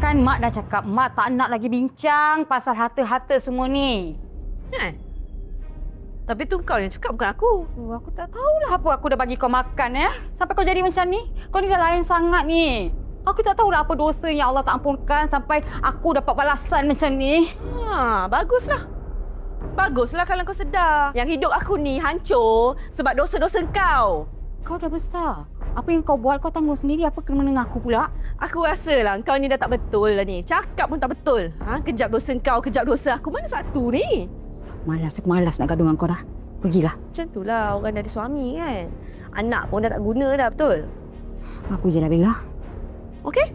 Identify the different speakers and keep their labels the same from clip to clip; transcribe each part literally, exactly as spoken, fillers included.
Speaker 1: Kan Mak dah cakap, Mak tak nak lagi bincang pasal harta-harta semua ni.
Speaker 2: Eh? Tapi tu kau yang cakap, bukan aku.
Speaker 1: Oh, aku tak tahulah apa aku dah bagi kau makan ya. Sampai kau jadi macam ni. Kau ni dah lain sangat ni. Aku tak tahulah apa dosa yang Allah tak ampunkan sampai aku dapat balasan macam ni.
Speaker 2: Ha, baguslah. Baguslah kalau kau sedar yang hidup aku ni hancur sebab dosa-dosa kau.
Speaker 1: Kau dah besar. Apa yang kau buat kau tanggung sendiri. Apa kena menengah aku pula?
Speaker 2: Aku rasalah kau ni dah tak betul lah ni. Cakap pun tak betul. Ha, kejap dosa kau, kejap dosa aku. Mana satu ni?
Speaker 1: Malas, aku malas nak gaduh dengan kau dah. Pergilah.
Speaker 2: Macam itulah orang dah ada suami kan. Anak pun dah tak guna dah, betul?
Speaker 1: Aku je lah Bella.
Speaker 2: Okey?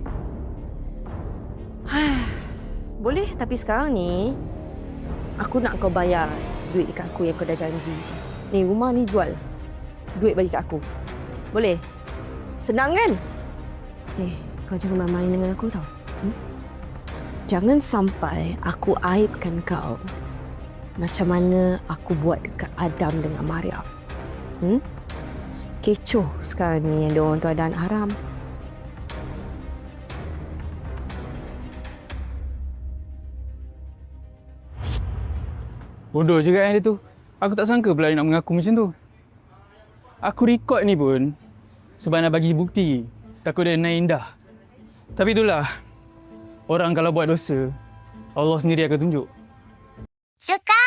Speaker 2: Boleh, tapi sekarang ni aku nak kau bayar duit dekat aku yang kau dah janji. Ni rumah ni jual. Duit bagi kat aku. Boleh? Senang kan? Eh, kau jangan main-main dengan aku tau. Hmm? Jangan sampai aku aibkan kau macam mana aku buat dekat Adam dengan Maryam. Hmm? Kecoh sekarang ni yang diorang tu ada anak haram.
Speaker 3: Bodoh juga kan dia tu. Aku tak sangka pula dia nak mengaku macam tu. Aku rekod ni pun sebab nak bagi bukti. Takut dia naik indah. Tapi itulah. Orang kalau buat dosa, Allah sendiri akan tunjuk.
Speaker 4: Suka